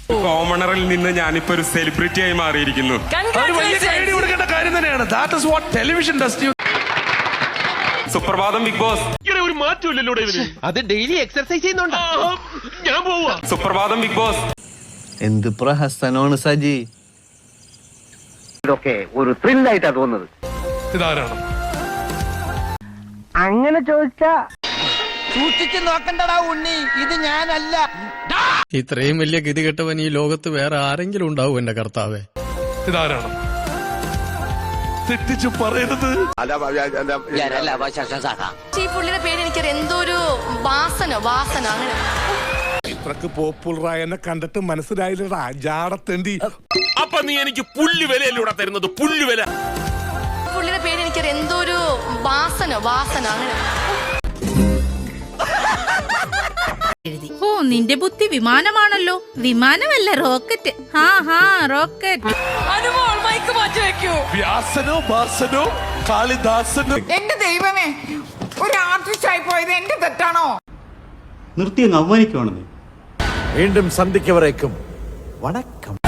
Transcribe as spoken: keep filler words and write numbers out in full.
കോമണറിൽ നിന്ന് ഞാനിപ്പോ ഒരു സെലിബ്രിറ്റി ആയി മാറിയിരിക്കുന്നു. സുപ്രഭാതം ബിഗ് ബോസ്. ഒരു മാറ്റമില്ലല്ലോ അത് ഡെയിലി എക്സർസൈസ് ചെയ്യുന്നുണ്ടോ? ഞാൻ പോവാ. സുപ്രഭാതം ബിഗ് ബോസ്. എന്ത് പ്രഹസനമാണ് സജി. ഇതൊക്കെ ഒരു ത്രില്ലായിട്ടാ തോന്നുന്നത്. ഇതാരാണ്? അങ്ങനെ ചോദിച്ചാ സൂക്ഷിച്ചു നോക്കണ്ടടാ ഉണ്ണി, ഇത് ഞാനല്ല. ഇത്രയും വലിയ ഗതികെട്ടവൻ ഈ ലോകത്ത് വേറെ ആരെങ്കിലും ഉണ്ടാവും എന്റെ കർത്താവേ. ഇതാരാണ്? തെറ്റിച്ചു പറയരുത്. ഈ പുള്ളിയുടെ പേര് എനിക്കറിയാം, എന്തോ ഒരു വാസന വാസന അങ്ങനെ. ഇത്രക്ക് പോപ്പുലറായ എന്നെ കണ്ടിട്ട് മനസ്സിലായില്ലടാ ജാടത്തേണ്ടി. അപ്പൊ നീ എനിക്ക് പുല്ല് വിലയല്ലൂടെ തരുന്നത്, പുല്ല് വില. പുള്ളിയുടെ പേര് എനിക്കറിയാം, എന്തോ ഒരു വാസന വാസന അങ്ങനെ. ഓ, നിന്റെ ബുദ്ധി വിമാനമാണല്ലോ. വിമാനമല്ല, റോക്കറ്റ്. ഹാ ഹാ റോക്കറ്റ്. അനുമോൾ മൈക്ക് മാറ്റി വെക്കൂ. വ്യാസനോ ഭാസനോ കാളിദാസനോ. എന്റെ ദൈവമേ, ഒരു ആർട്ടിസ്റ്റ് ആയി പോയത് എന്റെ തെറ്റാണോ? നിർത്തി അങ്ങ് അവമാനിക്കുവാണെന്നേ. വീണ്ടും സന്ധിക്കവരേക്കും വണക്കം.